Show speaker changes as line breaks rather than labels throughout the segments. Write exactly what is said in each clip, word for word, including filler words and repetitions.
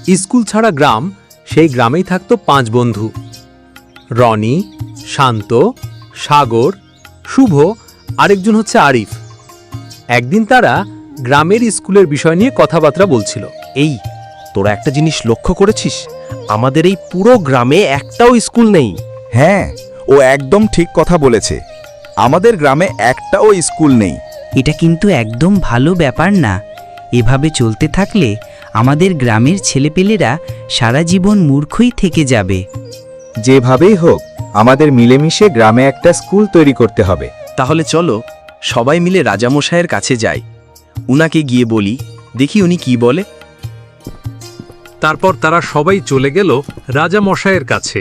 School ছাড়া গ্রাম, সেই গ্রামেই থাকত পাঁচ বন্ধু। রনি, শান্ত, সাগর, শুভ, আরেকজন হচ্ছে আরিফ। একদিন তারা গ্রামের স্কুলের বিষয় নিয়ে কথাবার্তা বলছিল।
এই তোরা একটা জিনিস লক্ষ্য করেছিস, আমাদের এই পুরো গ্রামে একটাও স্কুল নেই।
হ্যাঁ, ও একদম ঠিক কথা বলেছে। আমাদের গ্রামে একটাও স্কুল নেই।
এটা কিন্তু একদম ভালো ব্যাপার না। এভাবে চলতে থাকলে আমাদের গ্রামের ছেলেপেলেরা সারা জীবন মূর্খই থেকে যাবে।
যেভাবেই হোক আমাদের মিলেমিশে গ্রামে একটা স্কুল তৈরি করতে হবে।
তাহলে চলো সবাই মিলে রাজামশাইয়ের কাছে যাই, উনাকে গিয়ে বলি, দেখি উনি কি বলে।
তারপর তারা সবাই চলে গেল রাজা মশাইয়ের কাছে।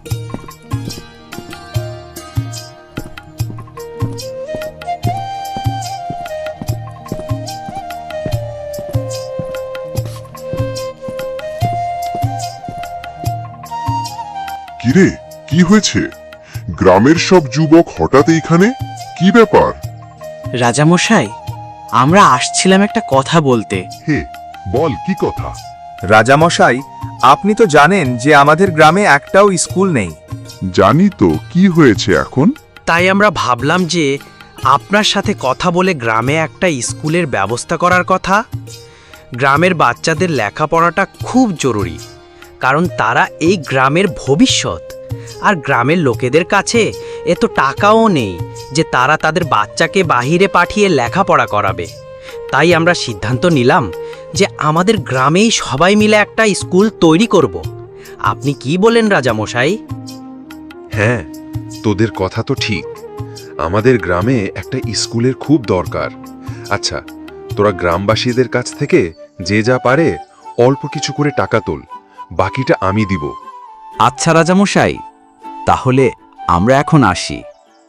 কিরে, কি হয়েছে? গ্রামের সব যুবক হঠাৎ এইখানে, কি ব্যাপার?
রাজামশাই, আমরা আসছিলাম একটা কথা বলতে।
হে, বল কি কথা?
রাজামশাই, আপনি তো জানেন যে আমাদের গ্রামে একটাও স্কুল নেই।
জানি তো, কি হয়েছে এখন?
তাই আমরা ভাবলাম যে আপনার সাথে কথা বলে গ্রামে একটা স্কুলের ব্যবস্থা করার কথা। গ্রামের বাচ্চাদের লেখাপড়াটা খুব জরুরি, কারণ তারা এই গ্রামের ভবিষ্যৎ। আর গ্রামের লোকেদের কাছে এত টাকাও নেই যে তারা তাদের বাচ্চাকে বাহিরে পাঠিয়ে লেখাপড়া করাবে। তাই আমরা সিদ্ধান্ত নিলাম যে আমাদের গ্রামেই সবাই মিলে একটা স্কুল তৈরি করব। আপনি কি বলেন রাজামশাই?
হ্যাঁ, তোদের কথা তো ঠিক। আমাদের গ্রামে একটা স্কুলের খুব দরকার। আচ্ছা, তোরা গ্রামবাসীদের কাছ থেকে যে যা পারে অল্প কিছু করে টাকা তোল, বাকিটা আমি দিব।
আচ্ছা রাজামশাই, তাহলে আমরা এখন আসি।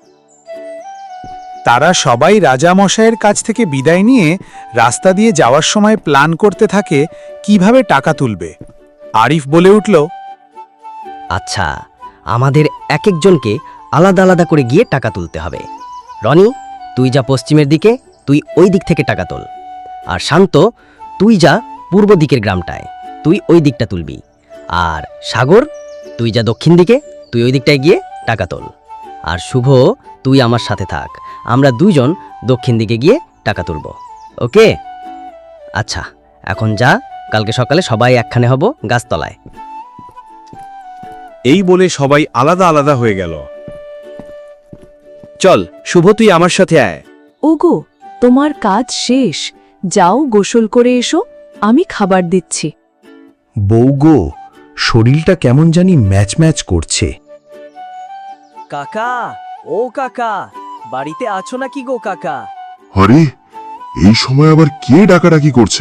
তারা সবাই রাজামশাইয়ের কাছ থেকে বিদায় নিয়ে রাস্তা দিয়ে যাওয়ার সময় প্ল্যান করতে থাকে কিভাবে টাকা তুলবে। আরিফ বলে উঠল,
আচ্ছা, আমাদের এক একজনকে আলাদা আলাদা করে গিয়ে টাকা তুলতে হবে। রনি, তুই যা পশ্চিমের দিকে, তুই ওই দিক থেকে টাকা তোল। আর শান্ত, তুই যা পূর্ব দিকের গ্রামটায়, তুই ওই দিকটা তুলবি। আর সাগর, তুই যা দক্ষিণ দিকে, তুই ওই দিকটায় গিয়ে টাকা তোল। আর শুভ, তুই আমার সাথে থাক, আমরা দুইজন দক্ষিণ দিকে গিয়ে টাকা তুলব। ওকে? আচ্ছা, এখন যা, কালকে সকালে সবাই একখানে হব গাছতলায়।
এই বলে সবাই আলাদা আলাদা হয়ে গেল। চল শুভ, তুই আমার সাথে আয়।
ওগো, তোমার কাজ শেষ, যাও গোসল করে এসো, আমি খাবার দিচ্ছি।
বৌগো, শরীরটা কেমন জানি ম্যাচ ম্যাচ করছে।
কাকা, ও কাকা, বাড়িতে আছো নাকি গো কাকা?
আরে, এই সময় আবার কে ডাকাডাকি করছে?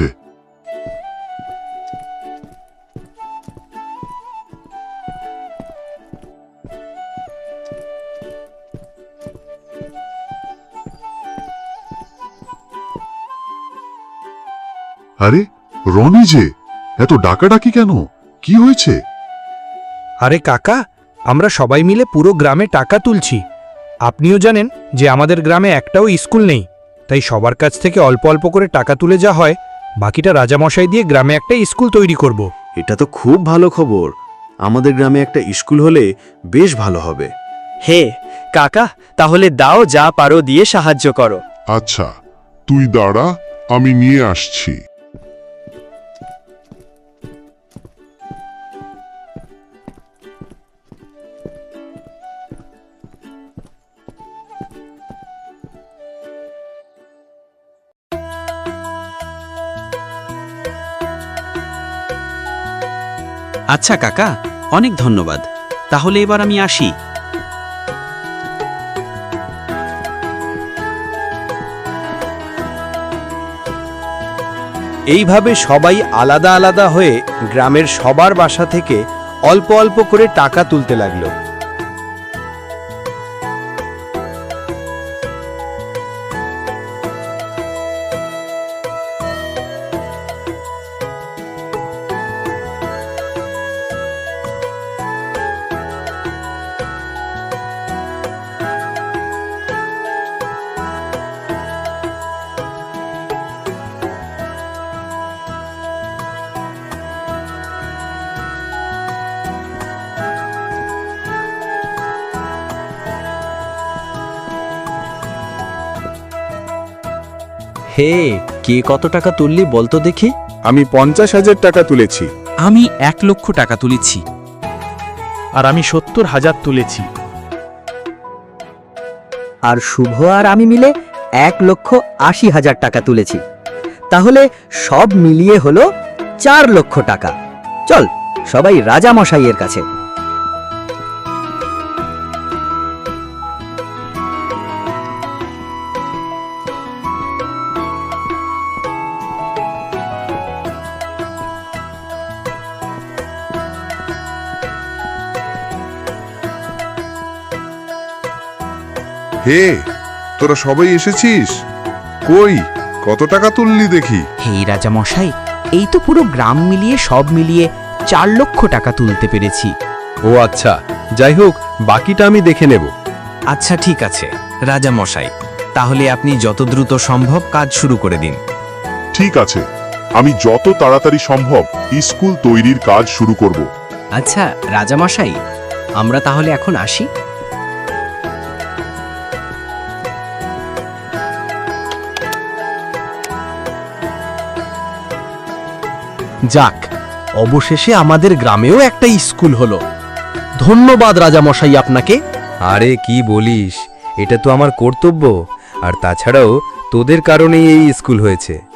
আরে, রনি যে, এত ডাকাডাকি কেন? কি হয়েছে?
আরে কাকা, আমরা সবাই মিলে পুরো গ্রামে টাকা তুলছি। আপনিও জানেন যে আমাদের গ্রামে একটাও স্কুল নেই, তাই সবার কাছ থেকে অল্প অল্প করে টাকা তুলে যা হয়, বাকিটা রাজামশাই দিয়ে গ্রামে একটা স্কুল তৈরি করব।
এটা তো খুব ভালো খবর। আমাদের গ্রামে একটা স্কুল হলে বেশ ভালো হবে।
হে কাকা, তাহলে দাও, যা পারো দিয়ে সাহায্য করো।
আচ্ছা, তুই দাঁড়া, আমি নিয়ে আসছি।
আচ্ছা কাকা, অনেক ধন্যবাদ। তাহলে এবার আমি আসি।
এইভাবে সবাই আলাদা আলাদা হয়ে গ্রামের সবার বাসা থেকে অল্প অল্প করে টাকা তুলতে লাগলো। হে, কে কত টাকা তুললি বলতো দেখি?
আমি পঞ্চাশ হাজার টাকা তুলেছি।
আমি এক লক্ষ টাকা তুলেছি।
আর আমি সত্তর হাজার তুলেছি।
আর শুভ আর আমি মিলে এক লক্ষ আশি হাজার টাকা তুলেছি। তাহলে সব মিলিয়ে হলো চার লক্ষ টাকা। চল সবাই রাজা মশাইয়ের কাছে।
হে, তোরা সবাই এসেছিস? কই, কত টাকা তুললি দেখি?
হেই রাজা মশাই, এই তো পুরো গ্রাম মিলিয়ে সব মিলিয়ে চার লক্ষ টাকা তুলতে পেরেছি।
ও আচ্ছা, যাই হোক, বাকিটা আমি দেখে নেব।
আচ্ছা ঠিক আছে রাজা মশাই, তাহলে আপনি যত দ্রুত সম্ভব কাজ শুরু করে দিন।
ঠিক আছে, আমি যত তাড়াতাড়ি সম্ভব স্কুল তৈরির কাজ শুরু করব।
আচ্ছা রাজা মশাই, আমরা তাহলে এখন আসি।
যাক, অবশেষে আমাদের গ্রামেও একটা স্কুল হলো। ধন্যবাদ রাজামশাই আপনাকে।
আরে কি বলিস, এটা তো আমার কর্তব্য। আর তাছাড়াও তোদের কারণেই এই স্কুল হয়েছে।